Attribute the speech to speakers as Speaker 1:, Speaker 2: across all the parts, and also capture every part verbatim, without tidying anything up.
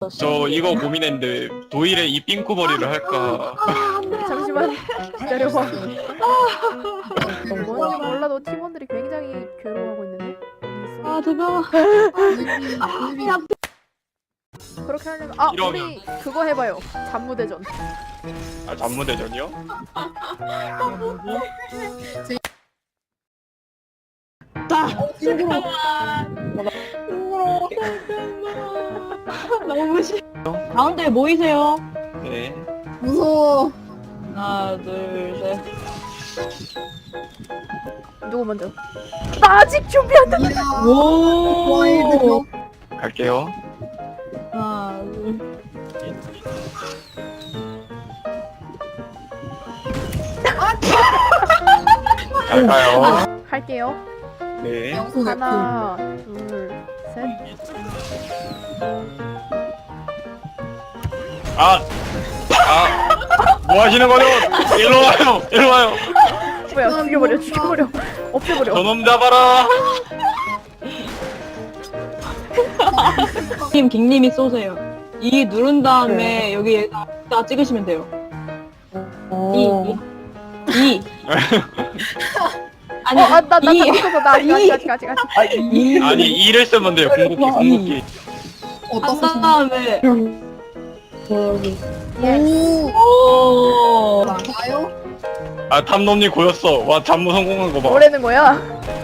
Speaker 1: 저 이거 고민했는데 도일의 이 삥꾸머리를 할까?
Speaker 2: 잠시만 기다려봐. 뭔지 몰라도 팀원들이 굉장히 괴로워하고 있는데.
Speaker 3: 아 뜨거워.
Speaker 2: 그렇게 하려면 아
Speaker 1: 이러면.
Speaker 2: 우리 그거 해봐요. 잠무대전.
Speaker 1: 아 잠무대전이요?
Speaker 3: 너무 싫어. 가운데 모이세요.
Speaker 1: 네.
Speaker 4: 무서워.
Speaker 3: 하나 둘 셋.
Speaker 2: 누구 먼저? 나 아직 준비 안 됐는데.
Speaker 4: 이야.
Speaker 3: 오.
Speaker 4: 와이드.
Speaker 1: 갈게요.
Speaker 3: 하나 둘.
Speaker 1: 갈까요?
Speaker 2: 할게요.
Speaker 1: 네.
Speaker 4: 양손 F.
Speaker 2: 하나, 둘, 셋.
Speaker 1: 아! 아! 뭐 하시는 거죠? 일로 와요! 일로 와요!
Speaker 2: 뭐야? 죽여버려, 죽여버려, 없애버려.
Speaker 1: 저놈 잡아라!
Speaker 3: 님 갱님이 쏘세요. 이 누른 다음에 여기에다 다 찍으시면 돼요. 이. 이. 이. 아니
Speaker 2: 어, 아, 나, 나,
Speaker 3: 이.
Speaker 2: 나, 나, 나, 아직, 아직, 아직, 아직, 아직.
Speaker 3: 이.
Speaker 1: 아니 이를 쓰면 돼요. 궁극기 궁극기.
Speaker 4: 어디다
Speaker 3: 한
Speaker 4: 쓰시는
Speaker 3: 다음에
Speaker 4: 오.
Speaker 3: 오.
Speaker 4: 나요?
Speaker 1: 아 탐놈님 고였어. 와 잠무 성공한 거 봐.
Speaker 2: 뭐라는 거야?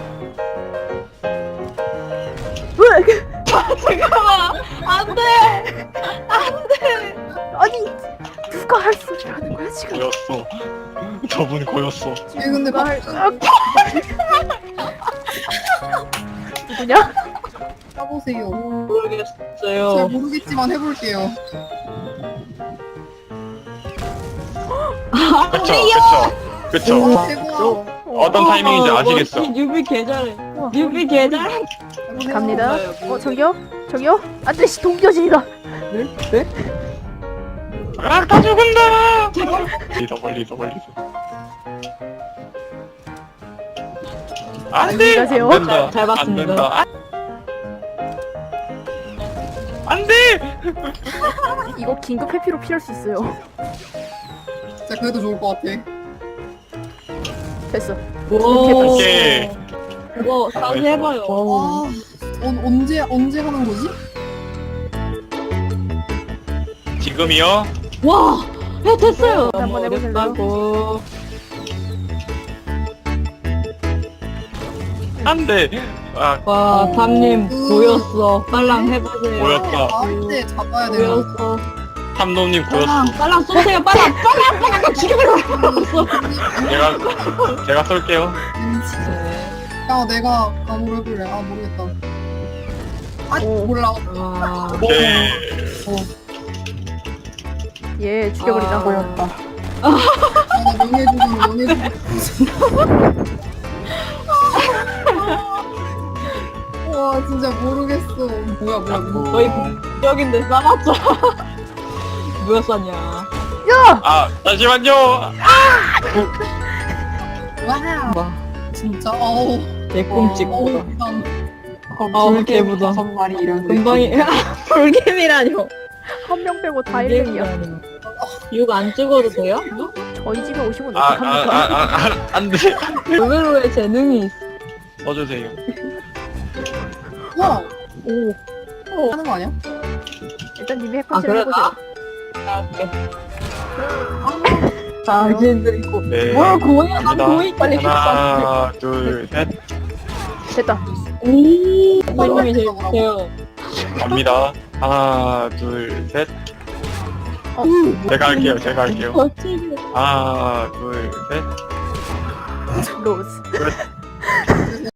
Speaker 3: 잠깐만. 안돼.
Speaker 2: 아니, 누가 할 소리를 하는 거야, 지금?
Speaker 1: 고였어. 저분 고였어.
Speaker 4: 얘 근데
Speaker 2: 누가
Speaker 4: 막
Speaker 2: 할, 아, 누구냐?
Speaker 4: 까보세요.
Speaker 3: 모르겠어요.
Speaker 4: 잘 모르겠지만 해볼게요.
Speaker 1: 그쵸 그쵸 그쵸.
Speaker 4: 오, 대박.
Speaker 1: 어떤 타이밍인지 아시겠어.
Speaker 3: 뉴비 개잘해.
Speaker 2: 우와.
Speaker 3: 뉴비 개잘해.
Speaker 2: 갑니다.
Speaker 3: 뭐예요, 뭐.
Speaker 2: 어, 저기요? 저기요? 안 돼, 씨, 동교진이다.
Speaker 1: 아, 다 죽은다! 멀리서, 멀리서, 멀리서. 안
Speaker 2: 안녕히
Speaker 1: 돼!
Speaker 2: 가세요.
Speaker 1: 안 된다.
Speaker 3: 잘 봤습니다.
Speaker 1: 안 된다. 안 돼!
Speaker 2: 이거 긴급 회피로 피할 수 있어요.
Speaker 4: 진짜 그래도 좋을 것 같아.
Speaker 2: 됐어.
Speaker 3: 오.
Speaker 1: 오케이.
Speaker 3: 이거 다시 해봐요.
Speaker 4: 아, 언, 언제 언제 하는 거지?
Speaker 1: 지금이요?
Speaker 3: 와. 야 됐어요.
Speaker 2: 한번 해보실래요?
Speaker 3: 어렵다고.
Speaker 1: 안 돼! 아,
Speaker 3: 와 담님
Speaker 4: 음.
Speaker 3: 보였어. 빨랑 해보세요.
Speaker 1: 보였다.
Speaker 4: 할때 잡아야 돼요.
Speaker 3: 보였어.
Speaker 1: 탐놈님 고였어.
Speaker 3: 빨랑 빨랑 쏘세요. 빨랑 빨랑 빨랑 죽여버려.
Speaker 1: 제가, 제가 쏠게요.
Speaker 4: 야, 내가 감으로 해볼래. 아, 모르겠다. 아,
Speaker 2: 오.
Speaker 4: 몰라.
Speaker 3: 와.
Speaker 1: 오케이.
Speaker 2: 예, 죽여버리자.
Speaker 3: 아.
Speaker 2: 보였다.
Speaker 4: 아, 나 명예주금, 명예주금. 와, 진짜 모르겠어. 뭐야, 뭐야, 뭐야.
Speaker 3: 너희 여긴데 싸맞죠? 누가 쌌냐?
Speaker 2: 야!
Speaker 1: 아, 잠시만요!
Speaker 4: 와,
Speaker 3: 와.
Speaker 4: 진짜, 어우.
Speaker 3: 개꿈찍.
Speaker 4: 어우,
Speaker 3: 보다.
Speaker 4: 일단.
Speaker 3: 아 개보다.
Speaker 5: 다섯 마리 이런
Speaker 3: 금방이 불개미라뇨.
Speaker 2: 한 명 빼고 다 일 렙이야.
Speaker 3: 육 안 찍어도 돼요?
Speaker 2: 저희 집에 오시면
Speaker 1: 아, 아, 아,
Speaker 2: 어떡합니까?
Speaker 1: 아, 아, 안 돼.
Speaker 3: 의외로의 재능이 있어.
Speaker 1: 써주세요.
Speaker 4: 와,
Speaker 2: 오,
Speaker 4: 하는 거 아니야?
Speaker 2: 일단 님이
Speaker 3: 아
Speaker 2: 핵펀치를
Speaker 3: 그래
Speaker 2: 해보세요.
Speaker 3: 나. 나올게. 당신들 있고.
Speaker 1: 네.
Speaker 3: 뭘 고이야? 난
Speaker 1: 갑니다.
Speaker 3: 고이 빨리
Speaker 1: 하나, 둘, 셋.
Speaker 2: 됐다.
Speaker 3: 오. 선생님이 제일 못해요.
Speaker 1: 갑니다. 하나, 둘, 셋.
Speaker 2: 어.
Speaker 1: 제가 할게요, 제가 할게요.
Speaker 3: 거칠게.
Speaker 1: 하나, 둘, 셋.
Speaker 2: 로즈.
Speaker 1: 끝.